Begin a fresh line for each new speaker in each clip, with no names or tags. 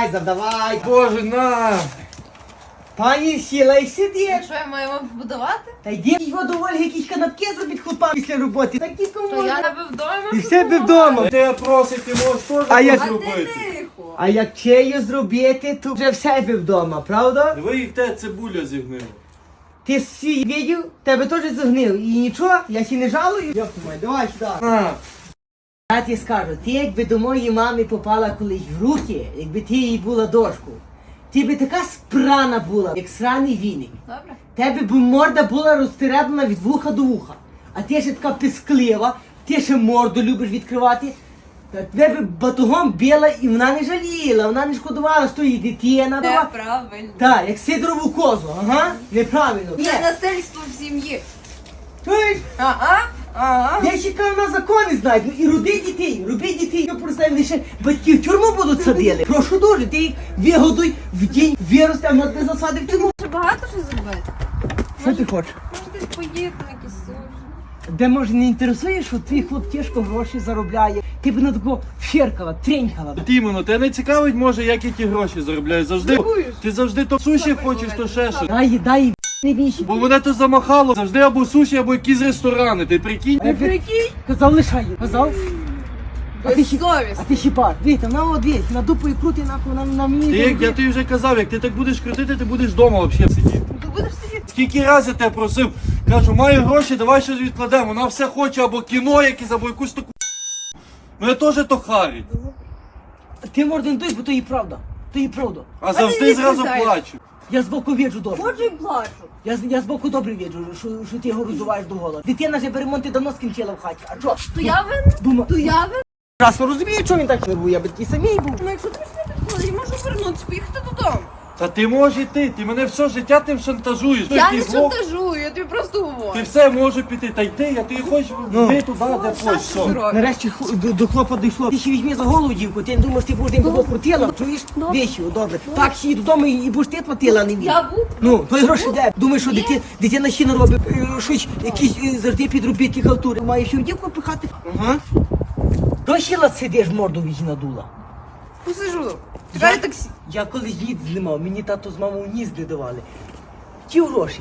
Давай, завдавай.
Боже, на!
Пані сіла і сидиш.
Що я маю вам побудувати?
Та йди його до Ольги якісь канапки зробить хлопам після роботи. Такі
То я
можна.
тебе вдома.
І в себе вдома.
Ти просить, ти можеш теж
А як-
зробити.
Тихо.
А як чею зробити, то вже в себе вдома, правда?
Диви, як те цибуля зігнила.
Ти всі видів, тебе теж загнив. І нічого, я ще не жалую. Йоп, май, давай сюди.
На!
Я тобі скажу, ти якби до моєї мами попала колись в руки, якби ти їй була дошку, ти би така спрана була, як сраний віник.
Добре.
Тебе б морда була розтереблена від вуха до вуха. А ти ще така писклива, ти ще морду любиш відкривати. Та тебе б батогом била і вона не жаліла, вона не шкодувала, що їй дитина дала.
Неправильно.
Так, як Сидорову козу, ага, неправильно.
Це насильство в сім'ї.
Чуєш?
Ага.
Я ще кажу, на закони знають, ну і роби дітей, я представив, лише батьки в тюрму будуть садили. Прошу дуже, ти їх вигодуй в день, вирости, а не засади в тюрму.
Ще багато що зробити.
Що ти хочеш?
Може десь поїти на якісь суші.
Де, може, не інтересує, що твій хлоп тяжко гроші заробляє? Ти б на такого феркала, тренькала.
От іменно, тебе не цікавить, може, як я ті гроші заробляю. Завжди, ти завжди то суші хочеш, то ще щось.
Дай не віші.
Бо мене то замахало, завжди або суші, або якісь ресторани, ти прикинь?
Прикинь.
Казав, лишай, казав.
Безсовісно.
А ти щіпар. Дивіться, вона от дивись, на дупу і крути, на мені.
Ти, як я тобі вже казав, як ти так будеш крутити, ти будеш вдома взагалі сидіти.
Ти будеш сидіти.
Скільки разів я тебе просив, кажу, маю гроші, давай щось відкладемо. Вона все хоче або кіно якесь, або якусь таку. Мене теж то харить.
Ти морду не дуй, бо то і правда. То і правда.
А завжди
ти не
зразу
сказаєш.
плачу.
Я збоку віджу добре.
Ходжу і плачу.
Я збоку добре віджу, що ти його роздуваєш до гола. Дитина вже ремонти давно скінчила в хаті. А що?
То я винна?
Дума.
То я винна?
Раз розумію, що він так нервує, я би такий самий був.
Ну якщо ти не підходиш, я можу вернутися, поїхати додому.
Та ти можеш йти, ти мене все життя тим шантажуєш.
Я
Ти
не
зло-
шантажую, я тобі просто
Ти
говорю.
все можеш піти, та йти, а ти хочеш йти туди, де хочеш. все.
Нарешті до хлопа дійшло. Ти ще візьми за голову, дівку, ти не думаєш, ти будеш його крутила, чуєш? Вещі, добре. Так, ще й додому і будеш ти платила, а не він.
Я буду.
Ну, твої гроші де? Думаєш, що дитина ще не робить, щось, якісь завжди підробітки халтури. Має ще в дівку пихати. Ага. До щіла сидиш, морду віч надула.
Посижу. Чекай таксі.
Я колись ніц знімав, мені тато з мамою ніц не давали. Ті гроші,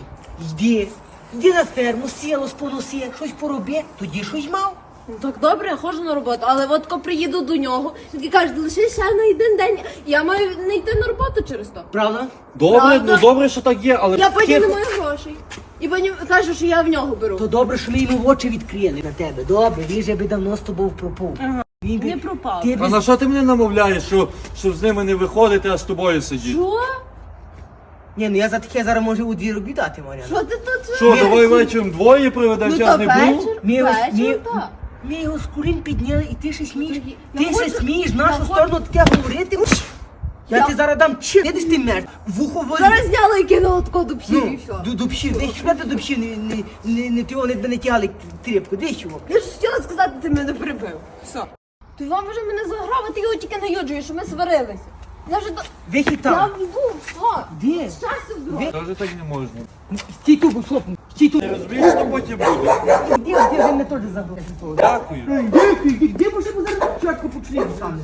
йди на ферму, сіло споноси, щось пороби, тоді щось мав.
Ну, так добре, я ходжу на роботу, але от коли приїду до нього, він каже, лише ще на один день, я маю не йти на роботу через то.
Правда?
Добре,
Правда?
ну добре, що так є, але
Я потім
Тихо.
не маю грошей. І потім каже, що я в нього беру.
То добре, що ми йому в очі відкрили на тебе. Добре, він же би давно з тобою пропав.
Ага.
Він би-
Не пропав.
Ти
А
би...
на що ти мене намовляєш, щоб з ними не виходити, а з тобою сидіти?
Що?
Ні, ну я за таке зараз можу у дві робі дати, Мар'яна.
Що ти тут?
Що, давай вечором двоє проведемо,
Ну
час
то
не було?
вечір,
Ми його- ми-
вечір, так.
Ми його з курінь підняли, і ти ще смієш.
Я
Ти ще
хочу-
смієш в
я
нашу
хочу-
сторону таке говорити. Я
Я-
ти зараз дам чи. Видиш ти мер, вухо волі.
Зараз зняла і кинула тако до псів і все.
До псів, десь шукати до псів, не ти вони не тягли тріпку, десь чого.
Я ж хотіла сказати, ти мене прибив. Все. Ти вам вже мене заграв, а ти його тільки наюджуєш, що ми сварилися. Я вже до...
Вихід
Я
там.
йду, все.
Де?
Щастя здоров'я.
Теж так не можна.
Стій тут, хлопну, стій тут.
Ти розумієш, що потім буде?
Де вже не теж забув.
Дякую.
Де може зараз чітко почує саме?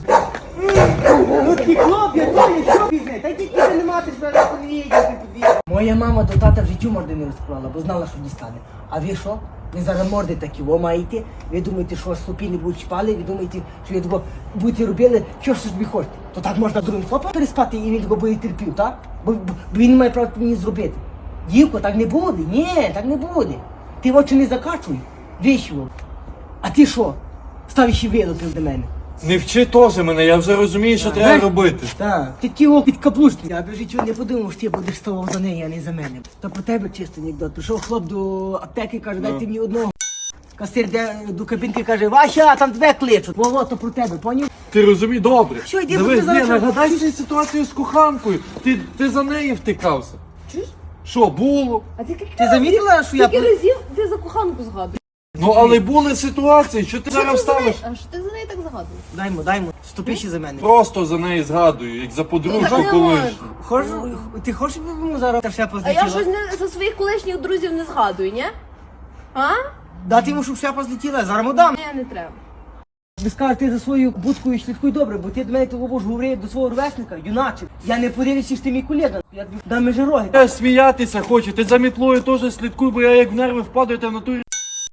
Ну ти хлоп, я знаю, що пізне. Та тільки ти не мати себе подвійня. Моя мама до тата в життю морди не розклала, бо знала, що дістане. А ви що? Ви зараз морди такі, ви маєте? Ви думаєте, що слопі не будуть чіпали? Ви думаєте, що ви такого будете робили, що ж собі хочете? То так можна другим хлопом переспати і він такого буде терпів, так? Бо він не має права мені зробити. Дівко, так не буде. Ні, так не буде. Ти в очі не закачуй. Вийшов. А ти що? Став ще вилупив до мене.
Не вчи теж мене, я вже розумію, що треба робити.
Так, ти тіло підкаплушний. Я б в життю не подумав, що ти будеш ставав за неї, а не за мене. То про тебе чисто анекдот. Прийшов хлоп до аптеки, каже, дайте мені одного. Касир йде до кабінки, каже, Вася, там тебе кличуть. Во, то про тебе, поняв?
Ти розумієш, добре.
Що, йди,
Дивись,
бо ти зараз-
ні, нагадай цю ситуацію з коханкою. Ти за неї втикався.
Чуєш?
Що, було?
А ти
Ти замітила, що я...
скільки разів ти за коханку згадуєш?
Ну, але були ситуації, що ти зараз ставиш.
А що ти за неї так згадуєш?
Даймо, ступи ще за мене.
Просто за неї згадую, як за подружку
Так не
колись.
Хочеш, ти хочеш, щоб йому зараз та шляпа
А я
злетіла?
щось не за своїх колишніх друзів не згадую, ні? А?
Дати йому, щоб шляпа злетіла, зараз му дам.
Ні, не треба.
Ви скажете, ти за свою будкою слідкуй добре, бо ти до мене того ж говорив до свого ровесника, юначе. Я не подивлюся, що ти мій колега. Я тобі дам межероги.
Я сміятися хочу, ти за мітлою теж слідкуй, бо я як в нерви впадаю, та в натурі